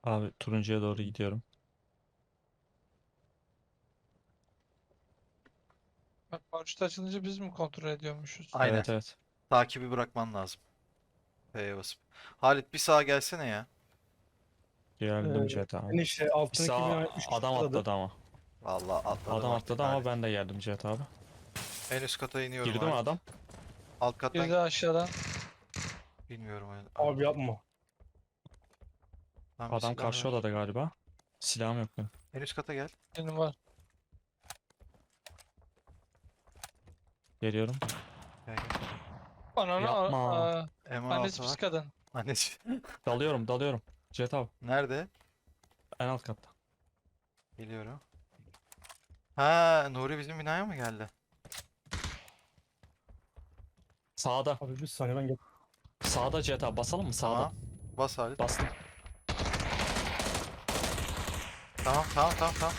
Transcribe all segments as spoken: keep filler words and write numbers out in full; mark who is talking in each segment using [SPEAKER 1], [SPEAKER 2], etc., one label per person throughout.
[SPEAKER 1] Abi turuncuya doğru gidiyorum.
[SPEAKER 2] Bak paraşüt açılınca biz mi kontrol ediyormuşuz?
[SPEAKER 3] Aynen.
[SPEAKER 1] Evet evet.
[SPEAKER 3] Takibi bırakman lazım. F'ye basıp. Halit bir sağa gelsene ya.
[SPEAKER 1] Geldim
[SPEAKER 4] Ee,
[SPEAKER 1] Cihat abi.
[SPEAKER 4] ben işte
[SPEAKER 1] Bir
[SPEAKER 4] altın iki bin
[SPEAKER 1] sağ
[SPEAKER 4] üç
[SPEAKER 1] adam
[SPEAKER 4] atladı.
[SPEAKER 1] atladı ama.
[SPEAKER 3] Vallahi atladım
[SPEAKER 1] Adam
[SPEAKER 3] artık
[SPEAKER 1] atladı ama
[SPEAKER 3] Halit.
[SPEAKER 1] ben de geldim Cihat abi.
[SPEAKER 3] En üst kata iniyorum
[SPEAKER 1] Girdi mi
[SPEAKER 3] Halit.
[SPEAKER 1] adam?
[SPEAKER 3] Alt kattan
[SPEAKER 2] Girdi aşağıdan.
[SPEAKER 3] bilmiyorum.
[SPEAKER 4] Abi yapma.
[SPEAKER 3] Tam bir
[SPEAKER 1] Adam
[SPEAKER 3] silah
[SPEAKER 1] karşı
[SPEAKER 3] ver.
[SPEAKER 1] odada galiba. Silahım yok benim.
[SPEAKER 3] En üst kata gel.
[SPEAKER 2] Benim var.
[SPEAKER 1] Geliyorum.
[SPEAKER 3] Gel gel.
[SPEAKER 2] Ananı
[SPEAKER 1] Yapma.
[SPEAKER 2] a- a-
[SPEAKER 3] M on altı
[SPEAKER 2] annesi pis
[SPEAKER 3] var.
[SPEAKER 2] kadın.
[SPEAKER 3] Annesi.
[SPEAKER 1] Dalıyorum dalıyorum. Cihat abi
[SPEAKER 3] Nerede?
[SPEAKER 1] en alt katta.
[SPEAKER 3] Geliyorum. Ha, Nuri bizim binaya mı geldi?
[SPEAKER 1] Sağda.
[SPEAKER 4] Abi bir saniye ben gel.
[SPEAKER 1] Sağda Cihat abi basalım mı? Sağda.
[SPEAKER 3] Tamam. Bas Halit.
[SPEAKER 1] Bastım.
[SPEAKER 3] Tamam tamam tamam tamam.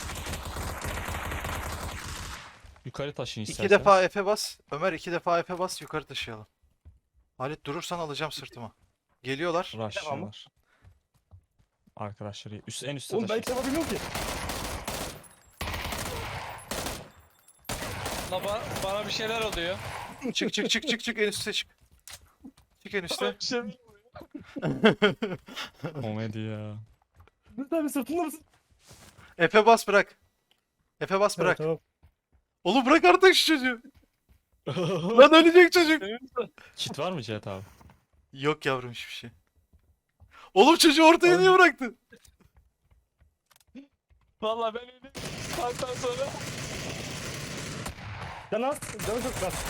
[SPEAKER 1] Yukarı taşın
[SPEAKER 3] İki
[SPEAKER 1] isterseniz.
[SPEAKER 3] defa F'e bas. Ömer iki defa F'e bas yukarı taşıyalım. Halit durursan alacağım sırtıma. Geliyorlar.
[SPEAKER 1] Rushlıyorlar. Arkadaşları üst, en üstte
[SPEAKER 4] Oğlum ben
[SPEAKER 1] taşın.
[SPEAKER 4] hiç yapamıyorum ki.
[SPEAKER 2] La ba- bana bir şeyler oluyor.
[SPEAKER 3] Çık çık çık çık çık en üste çık. Çık en üste.
[SPEAKER 2] Bir şey-
[SPEAKER 1] Komedi ya.
[SPEAKER 4] Lütfen abi sırtında mısın?
[SPEAKER 3] F'e bas bırak. F'e bas
[SPEAKER 4] Evet,
[SPEAKER 3] bırak.
[SPEAKER 4] tamam.
[SPEAKER 3] Oğlum bırak artık şu çocuğu. Lan ölecek çocuk.
[SPEAKER 1] Kit var mı Cihat abi?
[SPEAKER 3] Yok yavrum hiçbir şey. Oğlum çocuğu ortaya niye bıraktın?
[SPEAKER 2] Vallahi ben öyle saatten sonra
[SPEAKER 4] Can az. Canı çok az.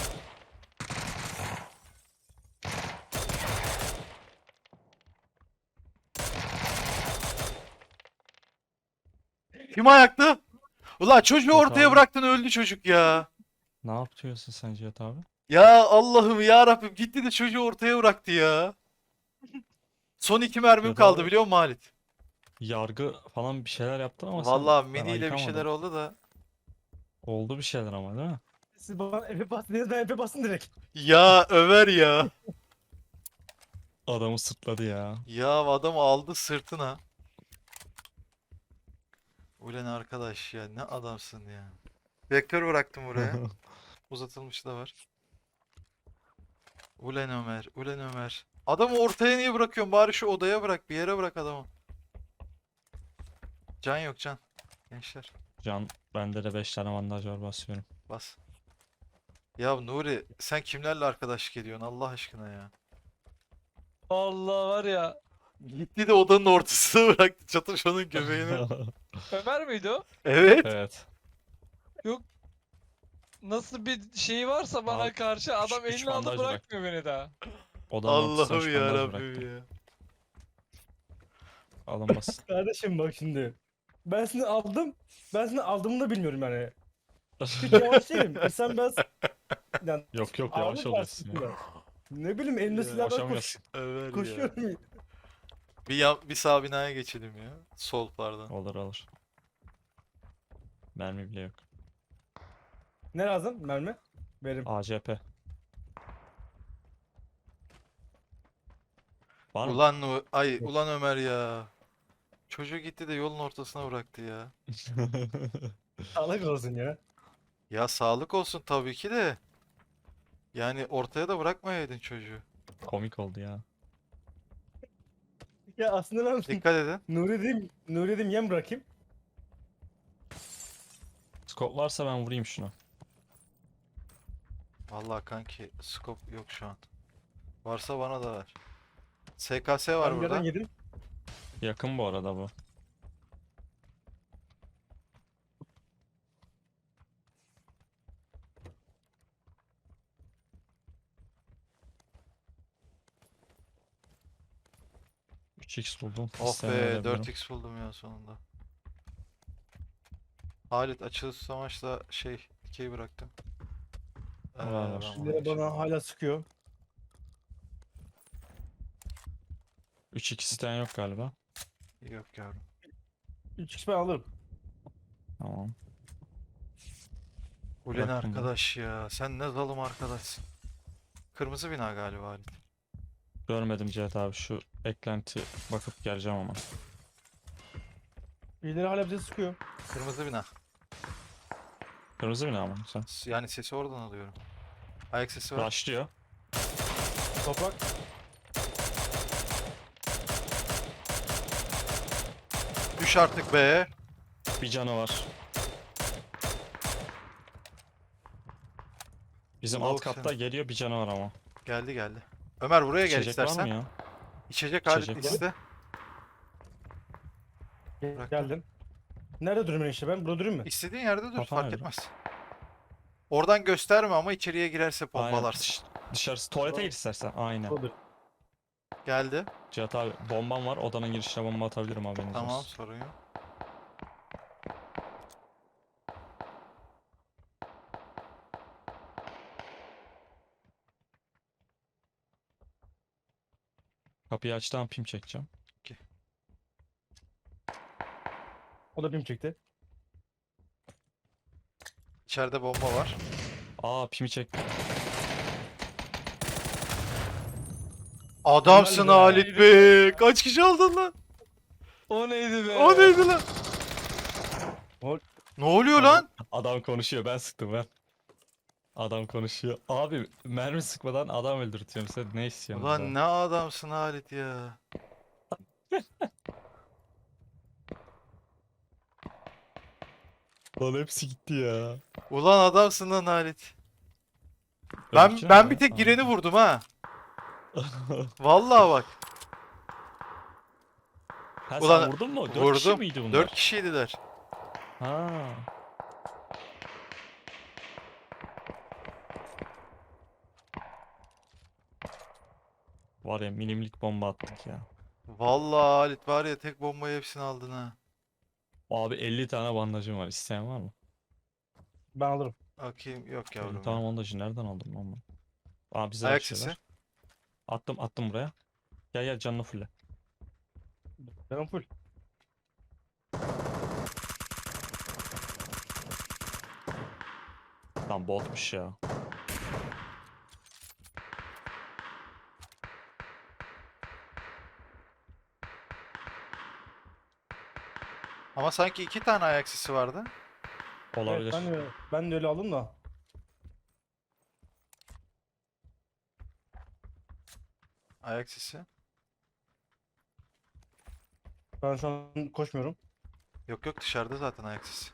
[SPEAKER 3] Kim ayakta? Ulan çocuğu
[SPEAKER 1] Yok
[SPEAKER 3] ortaya
[SPEAKER 1] abi.
[SPEAKER 3] bıraktın öldü çocuk ya.
[SPEAKER 1] Ne yapıyorsun sen Cihat abi?
[SPEAKER 3] Ya Allah'ım ya Rabbim gitti de çocuğu ortaya bıraktı ya. Son iki mermim
[SPEAKER 1] Cihat
[SPEAKER 3] kaldı
[SPEAKER 1] abi,
[SPEAKER 3] biliyor musun Halit?
[SPEAKER 1] yargı falan bir şeyler yaptın ama sen
[SPEAKER 3] Vallahi
[SPEAKER 1] ben
[SPEAKER 3] miniyle bir şeyler
[SPEAKER 1] ayıkamadım.
[SPEAKER 3] oldu da.
[SPEAKER 1] Oldu bir şeyler ama değil mi?
[SPEAKER 4] Siz bana Efe bastın dediniz, ben Efe bastım direkt.
[SPEAKER 3] Ya Ömer ya.
[SPEAKER 1] Adamı sırtladı ya.
[SPEAKER 3] Ya adam aldı sırtına. Ulan arkadaş ya ne adamsın ya. Vektör bıraktım buraya. Uzatılmış da var. Ulan Ömer, ulan Ömer. Adamı ortaya niye bırakıyorsun? Bari şu odaya bırak, bir yere bırak adamı. Can yok can. Gençler
[SPEAKER 1] Can bende de beş tane bandaj var basıyorum.
[SPEAKER 3] bas. Ya Nuri sen kimlerle arkadaşlık ediyorsun Allah aşkına ya.
[SPEAKER 2] Allah var ya.
[SPEAKER 3] Gitti de odanın ortasına bıraktı çatışmanın göbeğini.
[SPEAKER 2] Ömer miydi o?
[SPEAKER 3] Evet.
[SPEAKER 1] Evet.
[SPEAKER 2] Nasıl bir şeyi varsa bana
[SPEAKER 1] Abi,
[SPEAKER 2] karşı adam
[SPEAKER 1] üç
[SPEAKER 2] elini aldı
[SPEAKER 1] bandaj
[SPEAKER 2] bırakmıyor beni daha.
[SPEAKER 1] Odanın ortasına
[SPEAKER 3] Allah'ım
[SPEAKER 1] üç
[SPEAKER 3] ya
[SPEAKER 1] bandaj
[SPEAKER 3] Rabbim
[SPEAKER 1] bıraktım.
[SPEAKER 3] ya.
[SPEAKER 1] Alın basın.
[SPEAKER 4] Kardeşim bak şimdi. Ben seni aldım. Ben seni aldığımı da bilmiyorum yani. Hiç yavaş değilim. İnsan biraz... Yani
[SPEAKER 1] Yok yok
[SPEAKER 4] ağırlık
[SPEAKER 1] yavaş
[SPEAKER 4] var
[SPEAKER 1] oluyorsun ya.
[SPEAKER 4] sırtımda. Ne bileyim elimde
[SPEAKER 3] Ya.
[SPEAKER 4] silah var koş,
[SPEAKER 1] Koşamıyorsun.
[SPEAKER 3] Ömer ya.
[SPEAKER 4] koşuyorum.
[SPEAKER 3] Bir, yan, bir sağ binaya geçelim ya. Sol pardon.
[SPEAKER 1] Olur olur. Mermi bile yok.
[SPEAKER 4] Ne lazım? Mermi? Verim.
[SPEAKER 1] A C P. Var mı?
[SPEAKER 3] Ulan Nu- ay ulan Ömer ya. Çocuk gitti de yolun ortasına bıraktı ya.
[SPEAKER 4] Sağlık olsun ya.
[SPEAKER 3] Ya sağlık olsun tabii ki de. Yani ortaya da bırakmayaydın çocuğu.
[SPEAKER 1] Komik oldu ya.
[SPEAKER 4] Ya aslında ben
[SPEAKER 3] Dikkat edin.
[SPEAKER 4] Nuri dedim, Nuri dedim yem bırakayım.
[SPEAKER 1] Scope varsa ben vurayım şunu.
[SPEAKER 3] Vallahi kanki scope yok şu an. Varsa bana da ver. S K S var
[SPEAKER 4] Ben bir yerden
[SPEAKER 3] burada.
[SPEAKER 4] yedim.
[SPEAKER 1] Yakın bu arada bu. üç x buldum.
[SPEAKER 3] Oh
[SPEAKER 1] İsteyen
[SPEAKER 3] be
[SPEAKER 1] verebilirim.
[SPEAKER 3] dört x buldum ya sonunda. Halit açılış savaşla şey dikey bıraktım. Ee,
[SPEAKER 1] Var, var.
[SPEAKER 3] ben bunu
[SPEAKER 4] Şimdilere
[SPEAKER 3] geçeyim.
[SPEAKER 4] bana hala sıkıyor.
[SPEAKER 1] üç x isteyen yok galiba.
[SPEAKER 3] Yok yavrum.
[SPEAKER 4] üç kişi ben alırım.
[SPEAKER 1] Tamam.
[SPEAKER 3] Ulan
[SPEAKER 1] Bıraktım bunu.
[SPEAKER 3] arkadaş ya. Sen ne zalim arkadaşsın. Kırmızı bina galiba Halit.
[SPEAKER 1] Görmedim Cihat abi şu eklenti bakıp geleceğim ama.
[SPEAKER 4] Birileri hala bize sıkıyor.
[SPEAKER 3] Kırmızı bina.
[SPEAKER 1] Kırmızı bina mı sen?
[SPEAKER 3] S- Yani sesi oradan alıyorum. Ayak sesi var.
[SPEAKER 1] Başlıyor.
[SPEAKER 4] Toprak.
[SPEAKER 3] Düş artık be.
[SPEAKER 1] Bir canı var. Bizim alt
[SPEAKER 3] Lavuk
[SPEAKER 1] katta
[SPEAKER 3] sen.
[SPEAKER 1] geliyor, bir canı var ama.
[SPEAKER 3] Geldi geldi. Ömer buraya gel
[SPEAKER 1] İçecek var mı
[SPEAKER 3] istersen.
[SPEAKER 1] ya?
[SPEAKER 3] İçecek Halit
[SPEAKER 1] İçecek
[SPEAKER 3] ikisi de.
[SPEAKER 4] Gel-
[SPEAKER 3] Bırak.
[SPEAKER 4] Geldim. Nerede durayım işte ben? Burada durayım mı?
[SPEAKER 3] İstediğin yerde dur
[SPEAKER 1] Kafana
[SPEAKER 3] fark
[SPEAKER 1] göre.
[SPEAKER 3] etmez. Oradan gösterme ama içeriye girerse
[SPEAKER 1] Aynen.
[SPEAKER 3] pompalarsın.
[SPEAKER 1] Dış- dışarısı tuvalete
[SPEAKER 4] Tamam.
[SPEAKER 1] gir istersen. Aynen.
[SPEAKER 4] Burada dur.
[SPEAKER 3] Geldi.
[SPEAKER 1] Cihat abi bombam var. Odanın girişine bomba atabilirim haberiniz
[SPEAKER 3] Tamam
[SPEAKER 1] olsun.
[SPEAKER 3] sorun yok.
[SPEAKER 1] Kapıyı açtığı pim çekeceğim.
[SPEAKER 4] O da bim çekti.
[SPEAKER 3] İçeride bomba var.
[SPEAKER 1] Aa pimi çek.
[SPEAKER 3] Adamsın
[SPEAKER 4] be.
[SPEAKER 3] Halit be. Kaç kişi aldın lan?
[SPEAKER 2] O neydi be?
[SPEAKER 3] O neydi lan?
[SPEAKER 4] O-
[SPEAKER 3] Ne oluyor lan?
[SPEAKER 1] Adam konuşuyor, ben sıktım ben. Adam konuşuyor. Abi mermi sıkmadan adam öldürtüyorum, sen ne istiyorsun
[SPEAKER 3] Ulan
[SPEAKER 1] bizden?
[SPEAKER 3] ne adamsın Halit ya.
[SPEAKER 1] Lan hepsi gitti ya.
[SPEAKER 3] Ulan adamsın lan Halit. Ben
[SPEAKER 1] Benimkine
[SPEAKER 3] ben
[SPEAKER 1] mi?
[SPEAKER 3] bir tek
[SPEAKER 1] Tamam.
[SPEAKER 3] gireni vurdum ha. Vallahi bak.
[SPEAKER 1] Ha
[SPEAKER 3] Ulan,
[SPEAKER 1] sen vurdun mu? Dört kişi
[SPEAKER 3] Vurdum.
[SPEAKER 1] miydi bunlar?
[SPEAKER 3] Dört kişiydiler.
[SPEAKER 1] Ha. Var ya milimlik bomba attık ya.
[SPEAKER 3] Vallahi Halit var ya tek bombayı hepsini aldın ha.
[SPEAKER 1] Abi elli tane bandajım var. İsteyen var mı?
[SPEAKER 4] Ben alırım.
[SPEAKER 3] Bakayım yok
[SPEAKER 1] elli
[SPEAKER 3] yavrum.
[SPEAKER 1] tane
[SPEAKER 3] ya.
[SPEAKER 1] bandajı nereden aldım lan ben? Aa bize
[SPEAKER 3] Ayak
[SPEAKER 1] açıyorlar.
[SPEAKER 3] sesi.
[SPEAKER 1] Attım attım buraya. Gel gel canını fulle.
[SPEAKER 4] Ben full.
[SPEAKER 1] Lan botmuş ya.
[SPEAKER 3] Ama sanki iki tane ayak sesi vardı.
[SPEAKER 1] Olabilir.
[SPEAKER 4] Evet, ben de, ben de öyle aldım da.
[SPEAKER 3] Ayak sesi.
[SPEAKER 4] Ben şu an koşmuyorum.
[SPEAKER 3] Yok yok dışarıda zaten ayak sesi.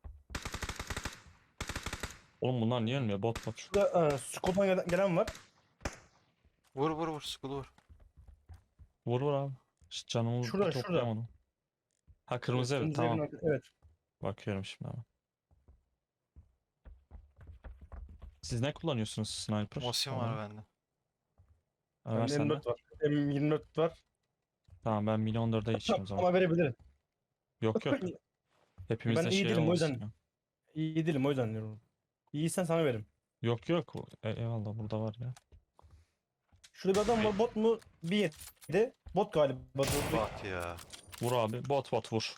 [SPEAKER 1] Oğlum bunlar niye ölmüyor? Bot bot.
[SPEAKER 4] Şurada e, Scope'dan gelen, gelen var.
[SPEAKER 3] Vur vur vur skulu vur.
[SPEAKER 1] Vur vur abi. İşte canımı bir
[SPEAKER 4] Şurada, şurada.
[SPEAKER 1] toplayamadım. Ha kırmızı ev.
[SPEAKER 4] Kırmızı
[SPEAKER 1] Tamam.
[SPEAKER 4] evin arkası- Evet.
[SPEAKER 1] Bakıyorum şimdi abi. Siz ne kullanıyorsunuz sniper?
[SPEAKER 3] Mosin var
[SPEAKER 1] olarak?
[SPEAKER 3] bende.
[SPEAKER 1] Ha, ver
[SPEAKER 4] Bende
[SPEAKER 1] sen
[SPEAKER 4] M
[SPEAKER 1] de.
[SPEAKER 4] dört var. M yirmi dört var.
[SPEAKER 1] Tamam ben milyon dörde geçeceğim o zaman.
[SPEAKER 4] Ama verebilirim.
[SPEAKER 1] Yok yok. Hepimizde
[SPEAKER 4] Ben iyi
[SPEAKER 1] şey
[SPEAKER 4] değilim o
[SPEAKER 1] olmasın
[SPEAKER 4] yüzden.
[SPEAKER 1] ya.
[SPEAKER 4] İyi değilim o yüzden diyorum. İyiysen sana veririm.
[SPEAKER 1] Yok yok. E, eyvallah burada var ya.
[SPEAKER 4] Şurada bir adam var, bot mu? Bir yedi. Bot galiba. Bot, bot.
[SPEAKER 3] Bak ya.
[SPEAKER 1] Vur abi. Bot bot vur.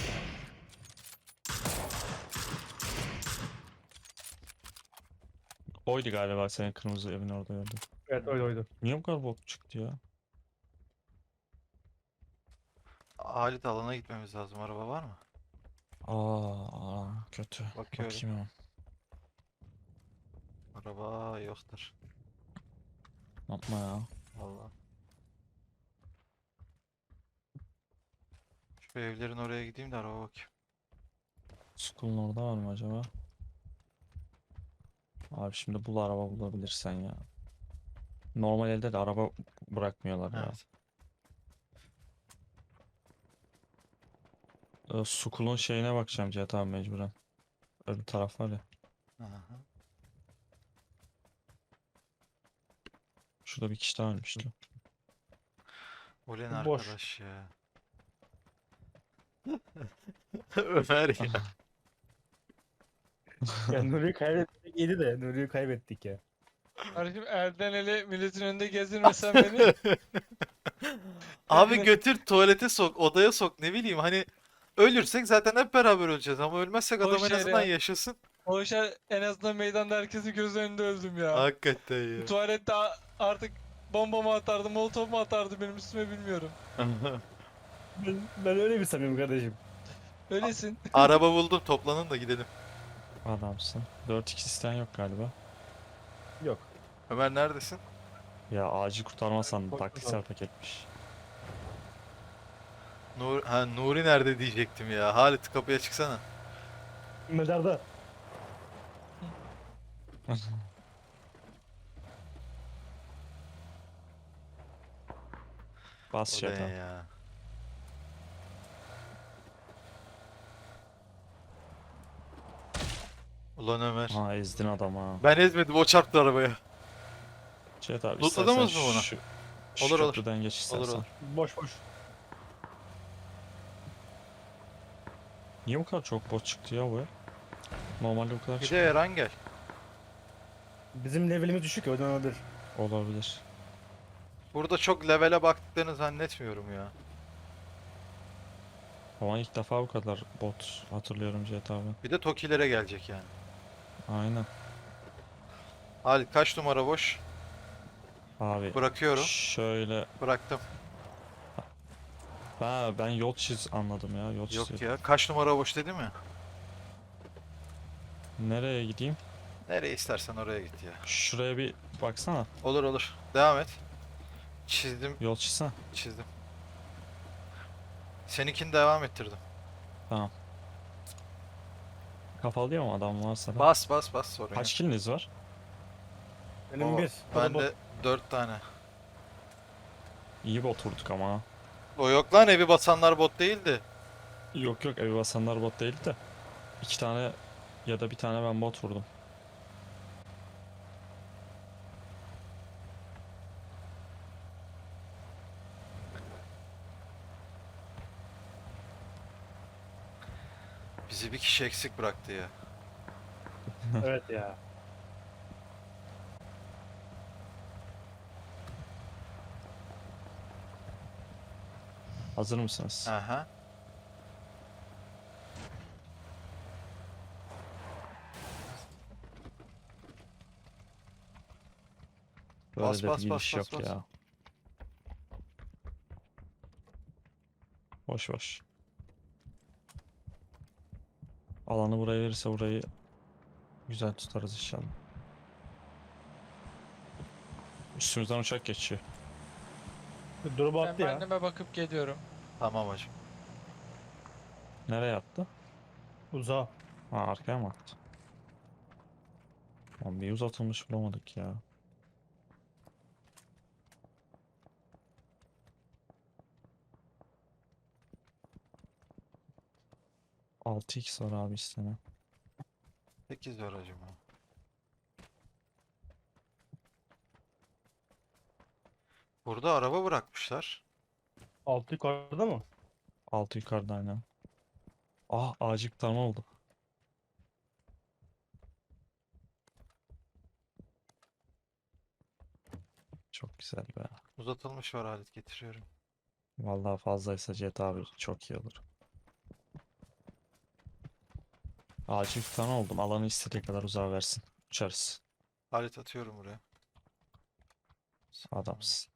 [SPEAKER 1] Oydu galiba senin kırmızı evin orada gördüm.
[SPEAKER 4] Evet oydu oydu.
[SPEAKER 1] Niye bu kadar bot çıktı ya?
[SPEAKER 3] Halit alana gitmemiz lazım. Araba var mı?
[SPEAKER 1] Aa, aa, kötü.
[SPEAKER 3] Bakıyorum.
[SPEAKER 1] Bakayım hemen.
[SPEAKER 3] Araba yoktur.
[SPEAKER 1] Yapma ya.
[SPEAKER 3] Vallahi. Şu evlerin oraya gideyim de araba bakayım.
[SPEAKER 1] School'un orada var mı acaba? Abi şimdi bul araba bulabilirsen ya. Normal elde de araba bırakmıyorlar ya.
[SPEAKER 3] Evet.
[SPEAKER 1] Ee, School'un şeyine bakacağım Cihat abi mecburen. Öbür taraf var ya.
[SPEAKER 3] Aha.
[SPEAKER 1] Şurada bir kişi daha ölmüştü.
[SPEAKER 3] Ulen
[SPEAKER 4] Boş.
[SPEAKER 3] arkadaş ya. Ömer ya.
[SPEAKER 4] Ya Nuri'yi kaybettik iyiydi de Nuri'yi kaybettik ya.
[SPEAKER 2] Kardeşim elden ele milletin önünde gezdirmesen beni.
[SPEAKER 3] Abi
[SPEAKER 2] Evine-
[SPEAKER 3] götür tuvalete sok, odaya sok ne bileyim hani ölürsek zaten hep beraber öleceğiz ama ölmezsek adam
[SPEAKER 2] Boş
[SPEAKER 3] en
[SPEAKER 2] yer
[SPEAKER 3] azından
[SPEAKER 2] ya.
[SPEAKER 3] yaşasın.
[SPEAKER 2] O işe en azından meydanda herkesin göz önünde öldüm ya.
[SPEAKER 3] Hakikaten ya.
[SPEAKER 2] Tuvalette a- artık bomba mı atardı, molotof mu atardı benim üstüme bilmiyorum.
[SPEAKER 4] Ben, ben öyle bir samimim kardeşim.
[SPEAKER 2] Öylesin.
[SPEAKER 3] Araba buldum, toplanın da gidelim.
[SPEAKER 1] Adamsın. dört x isteyen yok galiba.
[SPEAKER 4] Yok.
[SPEAKER 3] Ömer neredesin?
[SPEAKER 1] Ya acil kurtarma sandım.
[SPEAKER 4] Koş
[SPEAKER 1] Taktiksel
[SPEAKER 4] bakalım.
[SPEAKER 1] paketmiş.
[SPEAKER 3] Nur ha, Nuri nerede diyecektim ya. Halit kapıya çıksana.
[SPEAKER 4] Mezarda.
[SPEAKER 1] Bas
[SPEAKER 3] O da
[SPEAKER 1] şeytan.
[SPEAKER 3] ya. Ulan Ömer.
[SPEAKER 1] Ha ezdin adamı.
[SPEAKER 3] Ben ezmedim, o çarptı arabaya.
[SPEAKER 1] Şeyt abi
[SPEAKER 3] Lootladınız
[SPEAKER 1] istersen
[SPEAKER 3] mı bunu?
[SPEAKER 1] şu, şu
[SPEAKER 3] Olur, olur.
[SPEAKER 1] köprüden geç istersen.
[SPEAKER 3] Olur olur.
[SPEAKER 4] Boş boş.
[SPEAKER 1] Niye bu kadar çok bot çıktı ya bu ya? Normalde bu kadar
[SPEAKER 3] Bir de
[SPEAKER 1] çıkmıyor.
[SPEAKER 3] Eren gel.
[SPEAKER 4] Bizim levelimiz düşük ya, o yüzden olabilir.
[SPEAKER 1] Olabilir.
[SPEAKER 3] Burada çok levele baktıklarını zannetmiyorum ya.
[SPEAKER 1] Ama ilk defa bu kadar bot hatırlıyorum Cihat abi.
[SPEAKER 3] Bir de Tokilere gelecek yani.
[SPEAKER 1] Aynen.
[SPEAKER 3] Halit kaç numara boş?
[SPEAKER 1] Abi
[SPEAKER 3] Bırakıyorum.
[SPEAKER 1] şöyle
[SPEAKER 3] Bıraktım.
[SPEAKER 1] ha, ben yol çiz anladım ya yol
[SPEAKER 3] Yok
[SPEAKER 1] çiziyordum.
[SPEAKER 3] ya. Kaç numara boş dedi mi?
[SPEAKER 1] Nereye gideyim?
[SPEAKER 3] Nereye istersen oraya git ya.
[SPEAKER 1] Şuraya bir baksana.
[SPEAKER 3] Olur olur. Devam et. Çizdim.
[SPEAKER 1] Yol çizsene.
[SPEAKER 3] Çizdim. Seninkini devam ettirdim.
[SPEAKER 1] Tamam. Kafalı diyor mu adam varsa da?
[SPEAKER 3] Bas bas bas sorun
[SPEAKER 1] Kaç
[SPEAKER 3] yok.
[SPEAKER 1] kiliniz var?
[SPEAKER 4] Benim
[SPEAKER 3] O,
[SPEAKER 4] bir. o da
[SPEAKER 3] ben
[SPEAKER 4] bot.
[SPEAKER 3] de dört tane.
[SPEAKER 1] İyi bot vurduk ama. Ha.
[SPEAKER 3] O yok lan, evi basanlar bot değildi.
[SPEAKER 1] Yok yok evi basanlar bot değildi de. İki tane ya da bir tane ben bot vurdum.
[SPEAKER 3] Bizi bir kişi eksik bıraktı ya.
[SPEAKER 4] Evet ya.
[SPEAKER 1] Hazır mısınız?
[SPEAKER 3] Aha.
[SPEAKER 1] Böyle
[SPEAKER 3] Bas,
[SPEAKER 1] de
[SPEAKER 3] bas,
[SPEAKER 1] bir
[SPEAKER 3] bas,
[SPEAKER 1] gidiş
[SPEAKER 3] bas,
[SPEAKER 1] yok
[SPEAKER 3] bas.
[SPEAKER 1] ya. Boş boş. Alanı buraya verirse burayı güzel tutarız inşallah. Üstümüzden uçak geçiyor.
[SPEAKER 4] Drop
[SPEAKER 2] Ben
[SPEAKER 4] attı ya.
[SPEAKER 2] anneme bakıp geliyorum.
[SPEAKER 3] Tamam hacım.
[SPEAKER 1] Nereye attı?
[SPEAKER 4] Uzağa.
[SPEAKER 1] Ha arkaya mı attı? Lan bir uzatılmış bulamadık ya. altı x var abi istene.
[SPEAKER 3] sekiz var hacım ha. Burada araba bırakmışlar.
[SPEAKER 4] Altı yukarıda mı?
[SPEAKER 1] altı yukarıda aynen. Ah acil kurtarma oldu. Çok güzel be.
[SPEAKER 3] Uzatılmış var, Halit getiriyorum.
[SPEAKER 1] Vallahi fazlaysa Cihat abi çok iyi olur. Acil kurtarma oldum. Alanı istediği kadar uzağa versin. Uçarız.
[SPEAKER 3] Halit atıyorum buraya.
[SPEAKER 1] Adamsın.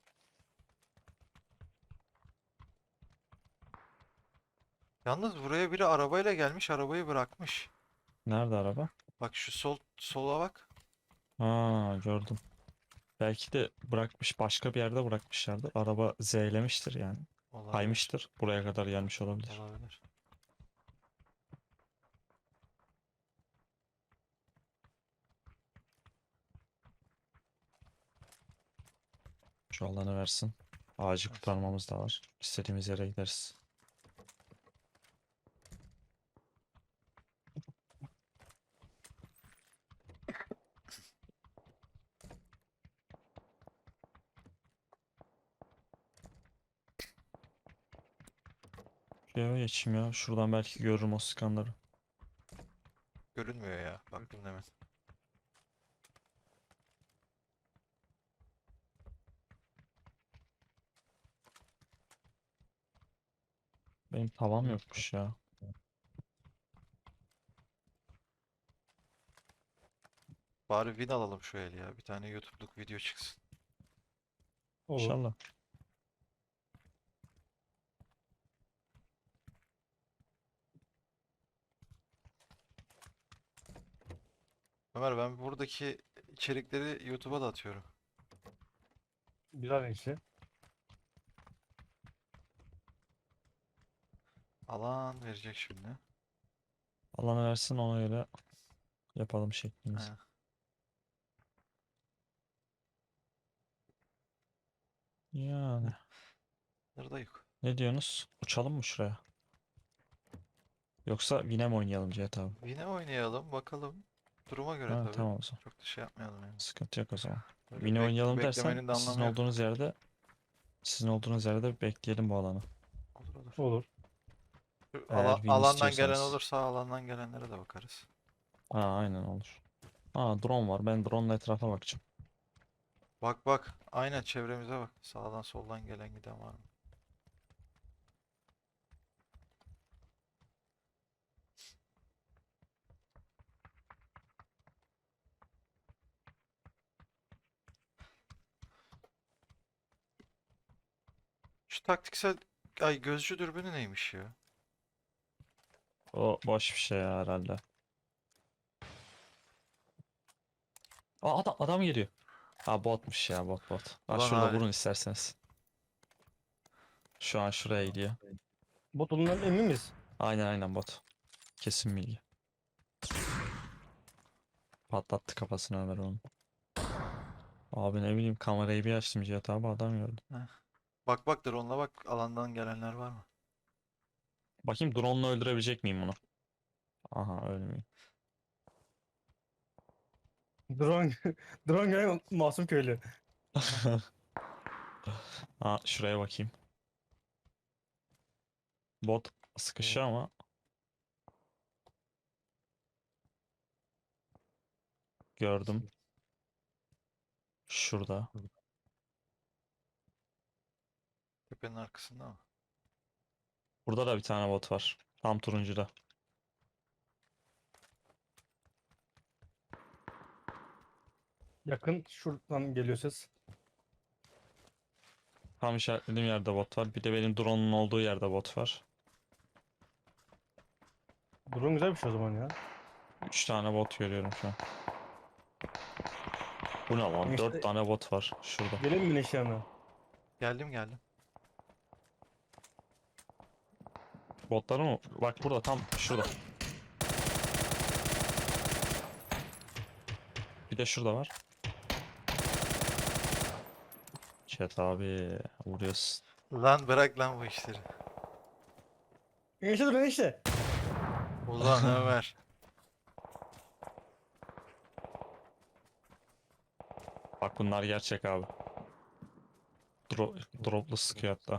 [SPEAKER 3] Yalnız buraya biri arabayla gelmiş, arabayı bırakmış.
[SPEAKER 1] Nerede araba?
[SPEAKER 3] Bak şu sol sola bak.
[SPEAKER 1] Ha gördüm. Belki de bırakmış başka bir yerde bırakmışlardır. Araba Z'lemiştir yani.
[SPEAKER 3] Olabilir.
[SPEAKER 1] Kaymıştır. Buraya kadar gelmiş olabilir.
[SPEAKER 3] Olabilir.
[SPEAKER 1] Şu alanı versin. Ağacı kurtarmamız da var. İstediğimiz yere gideriz. Şuraya geçeyim ya. Şuradan belki görürüm o skanları.
[SPEAKER 3] Görünmüyor ya. Baktım hemen.
[SPEAKER 1] Benim tavam yokmuş ya.
[SPEAKER 3] Bari win alalım şu el ya. Bir tane YouTube'luk video çıksın.
[SPEAKER 4] Olur.
[SPEAKER 1] İnşallah.
[SPEAKER 3] Ömer ben buradaki içerikleri YouTube'a da atıyorum.
[SPEAKER 4] Bir an işte.
[SPEAKER 3] Alan verecek şimdi.
[SPEAKER 1] Alanı versin ona göre yapalım şeklimizi.
[SPEAKER 3] Aynen.
[SPEAKER 1] Yani
[SPEAKER 3] Nerede yok.
[SPEAKER 1] ne diyorsunuz? Uçalım mı şuraya? Yoksa Vine mi oynayalım Cihat abi?
[SPEAKER 3] Yine oynayalım bakalım. Duruma göre
[SPEAKER 1] Ha,
[SPEAKER 3] tabii.
[SPEAKER 1] tamam o zaman.
[SPEAKER 3] Çok da şey yapmayalım yani.
[SPEAKER 1] Sıkıntı yok o zaman.
[SPEAKER 3] Böyle
[SPEAKER 1] Vine
[SPEAKER 3] bek-
[SPEAKER 1] oynayalım dersen
[SPEAKER 3] beklemenin de
[SPEAKER 1] sizin
[SPEAKER 3] anlamı yok.
[SPEAKER 1] olduğunuz yerde sizin olduğunuz yerde bekleyelim bu alanı.
[SPEAKER 3] Olur olur.
[SPEAKER 4] Olur.
[SPEAKER 3] Şu
[SPEAKER 1] Eğer
[SPEAKER 3] ala-
[SPEAKER 1] win
[SPEAKER 3] alandan gelen
[SPEAKER 1] istiyorsanız.
[SPEAKER 3] olursa alandan gelenlere de bakarız.
[SPEAKER 1] Aa, aynen olur. Aa, drone var. Ben drone'la etrafa bakacağım.
[SPEAKER 3] Bak bak. Aynen çevremize bak. Sağdan soldan gelen giden var mı? Şu taktiksel ay gözcü dürbünü neymiş ya?
[SPEAKER 1] O boş bir şey ya herhalde. Aa, adam, adam geliyor. Ha, botmuş ya, bot bot. Ha,
[SPEAKER 3] Ulan
[SPEAKER 1] şurada
[SPEAKER 3] Halit.
[SPEAKER 1] vurun isterseniz. Şu an şuraya gidiyor.
[SPEAKER 4] Bot olduğundan emin miyiz?
[SPEAKER 1] Aynen aynen bot. Kesin bilgi. Patlattı kafasını Ömer onun. Abi ne bileyim, kamerayı bir açtım Cihat abi, adam gördüm.
[SPEAKER 3] Heh. Bak bak drone'la bak alandan gelenler var mı?
[SPEAKER 1] Bakayım drone'la öldürebilecek miyim bunu? Aha, ölmeyeyim.
[SPEAKER 4] Drone, drone gelen masum köylü.
[SPEAKER 1] Ha, şuraya bakayım. Bot sıkışıyor ama gördüm. Şurada.
[SPEAKER 3] Tepenin arkasında mı?
[SPEAKER 1] Burada da bir tane bot var. Tam turuncuda.
[SPEAKER 4] Yakın şuradan geliyor ses.
[SPEAKER 1] Tam işaretlediğim yerde bot var. Bir de benim drone'un olduğu yerde bot var.
[SPEAKER 4] Drone güzel bir şey o zaman ya.
[SPEAKER 1] Üç tane bot görüyorum şu an. Bu ne lan?
[SPEAKER 4] İşte-
[SPEAKER 1] Dört tane bot var şurada.
[SPEAKER 4] Gelin mi güneş yanına?
[SPEAKER 3] Geldim geldim.
[SPEAKER 1] Botları mı? Bak burada, tam şurada. Bir de şurada var. Chat abi vuruyorsun.
[SPEAKER 3] Lan bırak lan bu işleri.
[SPEAKER 4] Güneşe dur güneşe.
[SPEAKER 3] Ulan Ömer.
[SPEAKER 1] Bak bunlar gerçek abi. Dro droplu sıkıyor hatta.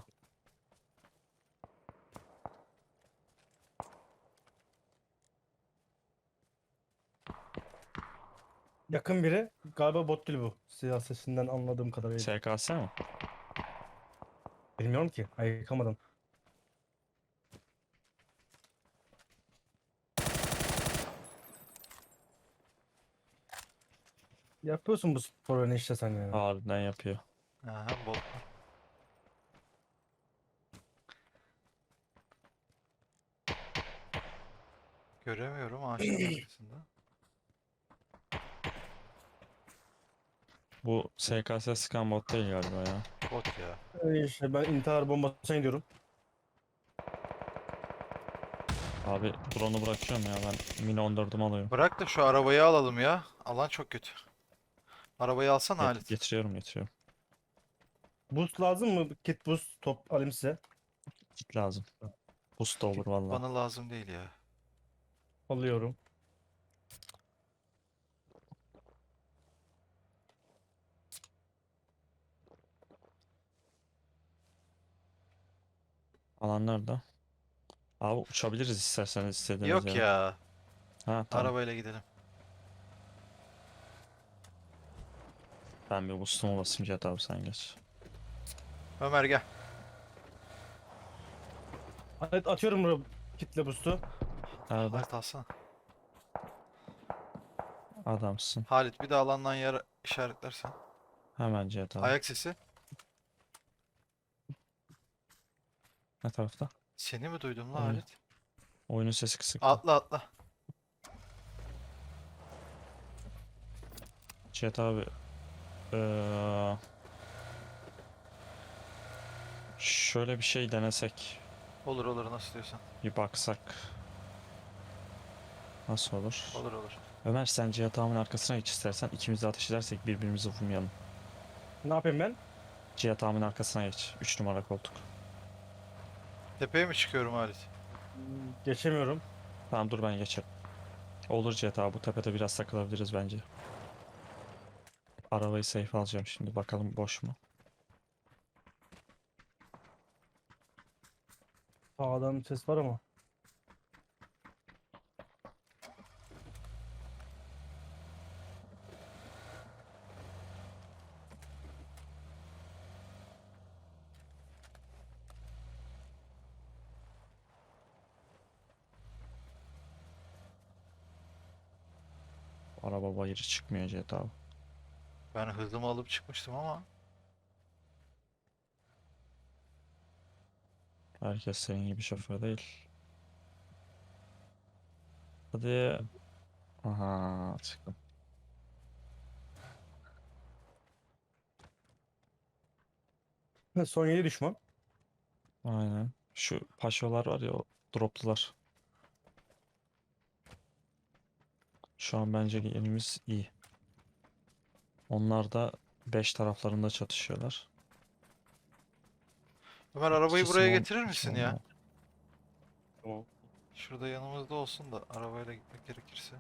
[SPEAKER 4] Yakın biri. Galiba bot değil bu. Silah sesinden anladığım kadarıyla.
[SPEAKER 1] S K S mi?
[SPEAKER 4] Bilmiyorum ki. Ayıkamadım. Yapıyorsun bu sporu işte sen ya.
[SPEAKER 1] Harbiden yapıyor.
[SPEAKER 3] Aha bot. Göremiyorum ağaçların arkasında.
[SPEAKER 1] Bu S K S sıkan bot değil galiba ya.
[SPEAKER 3] Bot ya.
[SPEAKER 4] Ee, İşte ben intihar bombasına gidiyorum.
[SPEAKER 1] Abi drone'u bırakıyorum ya, ben mini on dördümü alıyorum.
[SPEAKER 3] Bırak da şu arabayı alalım ya. Alan çok kötü. Arabayı alsana
[SPEAKER 1] Get-
[SPEAKER 3] Halit.
[SPEAKER 1] getiriyorum getiriyorum.
[SPEAKER 4] Boost lazım mı? Kit boost top alayım size.
[SPEAKER 1] Kit lazım. Boost da olur valla.
[SPEAKER 3] Bana lazım değil ya.
[SPEAKER 4] Alıyorum.
[SPEAKER 1] Alan nerede? Abi uçabiliriz isterseniz istediğiniz
[SPEAKER 3] Yok
[SPEAKER 1] yere.
[SPEAKER 3] ya.
[SPEAKER 1] Ha tamam.
[SPEAKER 3] Arabayla gidelim.
[SPEAKER 1] Ben bir boost'umu basayım Cihat abi, sen geç.
[SPEAKER 3] Ömer gel.
[SPEAKER 4] Evet, atıyorum buraya kitle boost'u.
[SPEAKER 1] Nerede?
[SPEAKER 3] Halit alsana.
[SPEAKER 1] Adamsın.
[SPEAKER 3] Halit bir de alandan yer işaretlersen.
[SPEAKER 1] Hemen Cihat abi.
[SPEAKER 3] Ayak sesi.
[SPEAKER 1] Ne tarafta?
[SPEAKER 3] Seni mi duydum lan
[SPEAKER 1] Aynen.
[SPEAKER 3] Halit?
[SPEAKER 1] Oyunun sesi kısık.
[SPEAKER 3] Atla atla.
[SPEAKER 1] Cihat abi. Eee, şöyle bir şey denesek.
[SPEAKER 3] Olur olur, nasıl diyorsan.
[SPEAKER 1] Bir baksak. Nasıl olur?
[SPEAKER 3] Olur olur.
[SPEAKER 1] Ömer sen Cihat abinin arkasına geç istersen. İkimiz de ateş edersek birbirimizi vurmayalım.
[SPEAKER 4] Ne yapayım ben?
[SPEAKER 1] Cihat abinin arkasına geç. Üç numara koltuk.
[SPEAKER 3] Tepeye mi çıkıyorum Halit?
[SPEAKER 4] Geçemiyorum.
[SPEAKER 1] Tamam dur ben geçerim. Olur Cihat abi bu tepede biraz takılabiliriz bence. Arabayı safe alacağım şimdi bakalım boş mu?
[SPEAKER 4] Sağdan ses var ama.
[SPEAKER 1] Araba bayırı çıkmıyor Cihat abi.
[SPEAKER 3] Ben hızımı alıp çıkmıştım ama
[SPEAKER 1] Herkes senin gibi şoför değil. Hadi. Aha çıktım.
[SPEAKER 4] Son yedi düşman.
[SPEAKER 1] Aynen. Şu paşolar var ya o droplular. Şu an bence yerimiz iyi. Onlar da beş taraflarında çatışıyorlar.
[SPEAKER 3] Ömer, arabayı
[SPEAKER 1] İkisi
[SPEAKER 3] buraya
[SPEAKER 1] on,
[SPEAKER 3] getirir
[SPEAKER 1] ikisi
[SPEAKER 3] misin
[SPEAKER 1] on
[SPEAKER 3] ya?
[SPEAKER 1] var.
[SPEAKER 4] Tamam.
[SPEAKER 3] Şurada yanımızda olsun da arabayla gitmek gerekirse.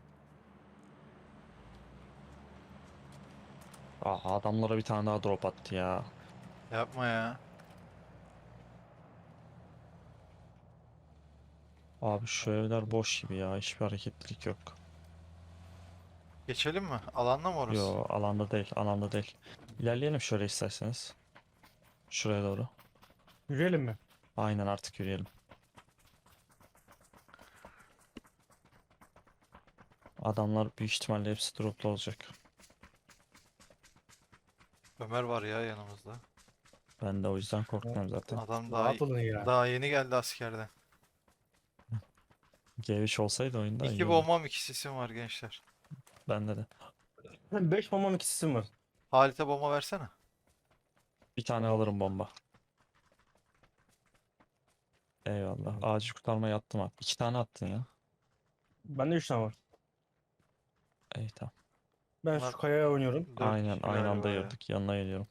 [SPEAKER 1] Aa, adamlara bir tane daha drop attı ya.
[SPEAKER 3] Yapma ya.
[SPEAKER 1] Abi şu evler boş gibi ya. Hiçbir hareketlilik yok.
[SPEAKER 3] Geçelim mi? Alanda mı orası?
[SPEAKER 1] Yo alanda değil, alanda değil. İlerleyelim şöyle isterseniz. Şuraya doğru.
[SPEAKER 4] Yürüyelim mi?
[SPEAKER 1] Aynen artık yürüyelim. Adamlar büyük ihtimalle hepsi droplu olacak.
[SPEAKER 3] Ömer var ya yanımızda.
[SPEAKER 1] Ben de o yüzden korkmuyorum zaten.
[SPEAKER 3] Adam daha
[SPEAKER 4] Rahat olun ya.
[SPEAKER 3] daha yeni geldi askerden.
[SPEAKER 1] G üç olsaydı oyunda iyi
[SPEAKER 3] İki
[SPEAKER 1] olurdu.
[SPEAKER 3] bombam, iki sisim var gençler.
[SPEAKER 1] Bende de.
[SPEAKER 4] beş bombam iki sisim var.
[SPEAKER 3] Halit'e bomba versene.
[SPEAKER 1] Bir tane alırım bomba. Eyvallah. Acil kurtarmaya attım abi. İki tane attın ya.
[SPEAKER 4] Bende üç tane var.
[SPEAKER 1] İyi tamam.
[SPEAKER 4] Ben
[SPEAKER 3] Bunlar
[SPEAKER 4] şu kayaya oynuyorum.
[SPEAKER 3] dört
[SPEAKER 1] Aynen
[SPEAKER 3] kişi
[SPEAKER 1] aynı anda
[SPEAKER 3] galiba ya.
[SPEAKER 1] girdik. Yanına geliyorum.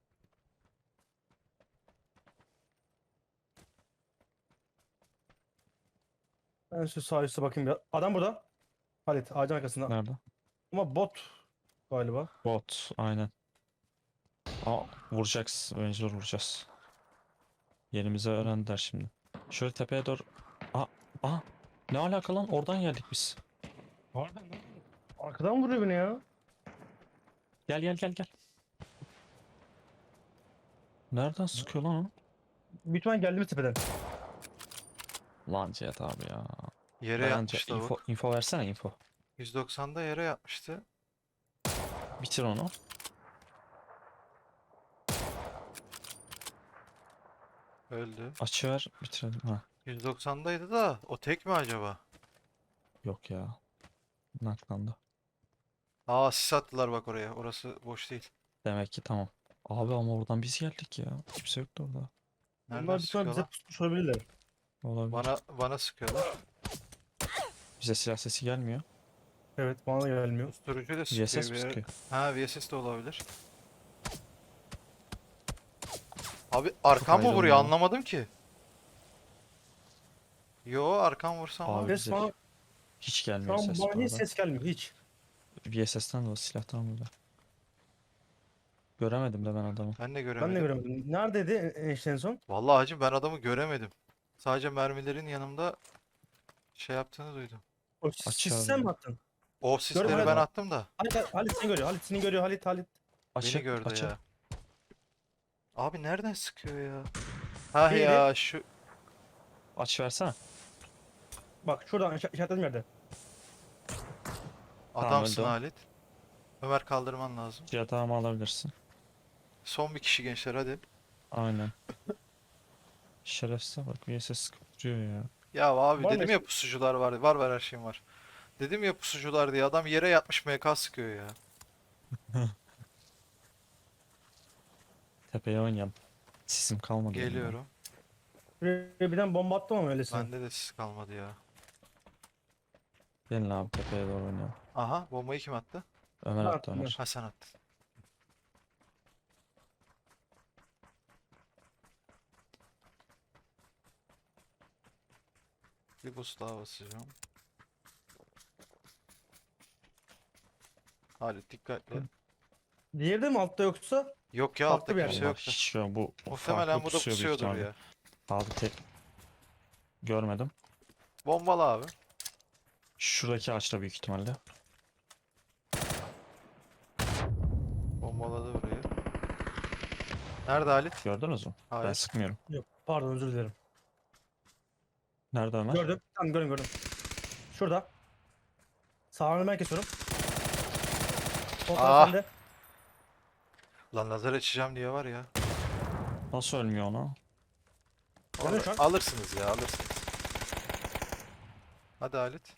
[SPEAKER 4] Ben şu sağ üstte bakayım bir. Adam burada. Halit ağacın arkasında.
[SPEAKER 1] Nerede?
[SPEAKER 4] Ama bot galiba.
[SPEAKER 1] Bot. Aynen. Aa, vuracağız. Mecbur vuracağız. Yerimizi öğrendiler şimdi. Şöyle tepeye doğru. Aa, aa. Ne alaka lan? Oradan geldik biz.
[SPEAKER 4] Pardon lan. Arkadan vuruyor beni ya.
[SPEAKER 1] Gel gel gel gel. Nereden sıkıyor lan o?
[SPEAKER 4] Büyük ihtimal geldiğimiz tepeden.
[SPEAKER 1] Lan Cihat abi ya.
[SPEAKER 3] Yere
[SPEAKER 1] Bence
[SPEAKER 3] yatmış
[SPEAKER 1] info,
[SPEAKER 3] lavuk.
[SPEAKER 1] info versene info.
[SPEAKER 3] yüz doksanda yere yatmıştı.
[SPEAKER 1] Bitir onu.
[SPEAKER 3] Öldü.
[SPEAKER 1] Açı ver. Bitirelim. Ha.
[SPEAKER 3] yüz doksandaydı da o tek mi acaba?
[SPEAKER 1] Yok ya. Naklandı.
[SPEAKER 3] Aa, sis attılar bak oraya. Orası boş değil.
[SPEAKER 1] Demek ki tamam. Abi ama oradan biz geldik ya. Kimse yoktu orada.
[SPEAKER 3] Nereden
[SPEAKER 4] Onlar bir ihtimal bize
[SPEAKER 3] sıkıyorlar?
[SPEAKER 4] pusmuş olabilirler.
[SPEAKER 1] Olabilir.
[SPEAKER 3] Bana bana sıkıyorlar.
[SPEAKER 1] Bize silah sesi gelmiyor.
[SPEAKER 4] Evet bana da gelmiyor.
[SPEAKER 3] Susturucu da
[SPEAKER 1] V S
[SPEAKER 3] sıkıyor
[SPEAKER 1] mi
[SPEAKER 3] bir yere.
[SPEAKER 1] sıkıyor?
[SPEAKER 3] Ha, V S S de olabilir. Abi arkam mı vuruyor,
[SPEAKER 1] ayrılmıyor.
[SPEAKER 3] anlamadım ki. Yo, arkam vursam
[SPEAKER 1] Abi
[SPEAKER 3] var.
[SPEAKER 4] Ses
[SPEAKER 1] bize
[SPEAKER 4] bana,
[SPEAKER 1] hiç
[SPEAKER 4] şu
[SPEAKER 1] gelmiyor
[SPEAKER 4] an
[SPEAKER 1] ses bu
[SPEAKER 4] bana hiç
[SPEAKER 1] arada.
[SPEAKER 4] ses gelmiyor hiç.
[SPEAKER 1] V S S'ten de o silahtan böyle. Göremedim de ben adamı.
[SPEAKER 3] Ben de
[SPEAKER 4] Ben de
[SPEAKER 3] göremedim.
[SPEAKER 4] göremedim. Neredeydi en, en en son?
[SPEAKER 3] Vallahi hacım, ben adamı göremedim. Sadece mermilerin yanımda şey yaptığını duydum.
[SPEAKER 4] O
[SPEAKER 1] Aç
[SPEAKER 4] sis
[SPEAKER 1] abi.
[SPEAKER 4] sen mi attın?
[SPEAKER 3] O sisleri
[SPEAKER 4] Halit.
[SPEAKER 3] ben attım da
[SPEAKER 4] Halit, Halit, Halit seni görüyor. Halit seni görüyor. Halit Halit.
[SPEAKER 1] Açı,
[SPEAKER 3] beni gördü
[SPEAKER 1] açı.
[SPEAKER 3] ya. Abi nereden sıkıyor ya? Ha
[SPEAKER 4] Diğeri-
[SPEAKER 3] ya şu
[SPEAKER 1] Aç versene.
[SPEAKER 4] Bak şuradan işa- işaretlediğim yerde.
[SPEAKER 3] adamsın
[SPEAKER 1] öldü o.
[SPEAKER 3] Halit. Ömer, kaldırman lazım.
[SPEAKER 1] Cihat abi alabilirsin.
[SPEAKER 3] Son bir kişi gençler, hadi.
[SPEAKER 1] Aynen. Şerefsiz bak V S S sıkıp duruyor ya.
[SPEAKER 3] Ya abi
[SPEAKER 4] Var mı
[SPEAKER 3] dedim ya,
[SPEAKER 4] eski-
[SPEAKER 3] pusucular var. Var var, her şeyim var. Dedim ya pusucular diye, adam yere yatmış M K sıkıyor ya.
[SPEAKER 1] Tepeye oynayalım. Sisim kalmadı. elimde.
[SPEAKER 3] Geliyorum.
[SPEAKER 4] Buraya birden bomba attım ama öylesine.
[SPEAKER 3] Bende de sis kalmadı ya.
[SPEAKER 1] Gelin abi tepeye doğru oynayalım.
[SPEAKER 3] Aha, bombayı kim attı?
[SPEAKER 1] Ömer
[SPEAKER 4] Ben
[SPEAKER 1] attı
[SPEAKER 4] attım,
[SPEAKER 1] Ömer.
[SPEAKER 3] Ha, sen attın. Bir boost daha basacağım. Halit dikkatli.
[SPEAKER 4] Diğeri de mi altta yoksa?
[SPEAKER 3] Yok ya,
[SPEAKER 4] Farklı
[SPEAKER 3] altta
[SPEAKER 4] bir yer.
[SPEAKER 3] kimse
[SPEAKER 1] Allah,
[SPEAKER 3] yoktu.
[SPEAKER 1] hiç yok. Bu
[SPEAKER 3] Muhtemelen
[SPEAKER 1] farklı
[SPEAKER 3] bu da
[SPEAKER 1] pusuyor büyük
[SPEAKER 3] pusuyordur
[SPEAKER 1] ihtimalle.
[SPEAKER 3] ya.
[SPEAKER 1] Abi tek görmedim.
[SPEAKER 3] Bombalı abi.
[SPEAKER 1] Şuradaki ağaçta büyük ihtimalle.
[SPEAKER 3] Bombaladı burayı. Nerede Halit?
[SPEAKER 1] Gördünüz mü? Ben
[SPEAKER 3] Hayır.
[SPEAKER 1] sıkmıyorum.
[SPEAKER 4] Yok. Pardon, özür dilerim.
[SPEAKER 1] Nerede Ömer?
[SPEAKER 4] Gördüm. Tamam, gördüm gördüm. Şurada. Sağını ben kesiyorum. Sol
[SPEAKER 3] Ah!
[SPEAKER 4] taraf sende.
[SPEAKER 3] Lan lazer açacağım diye var ya.
[SPEAKER 1] Nasıl ölmüyor ona?
[SPEAKER 4] Gördün şu an.
[SPEAKER 3] Alırsınız ya, alırsınız. Hadi Halit.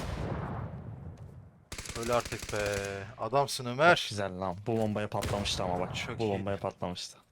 [SPEAKER 3] Öyle artık be. Adamsın Ömer.
[SPEAKER 1] Güzel lan. Bu bombaya patlamıştı ama bak.
[SPEAKER 3] Çok
[SPEAKER 1] Bu
[SPEAKER 3] iyi.
[SPEAKER 1] bombaya patlamıştı.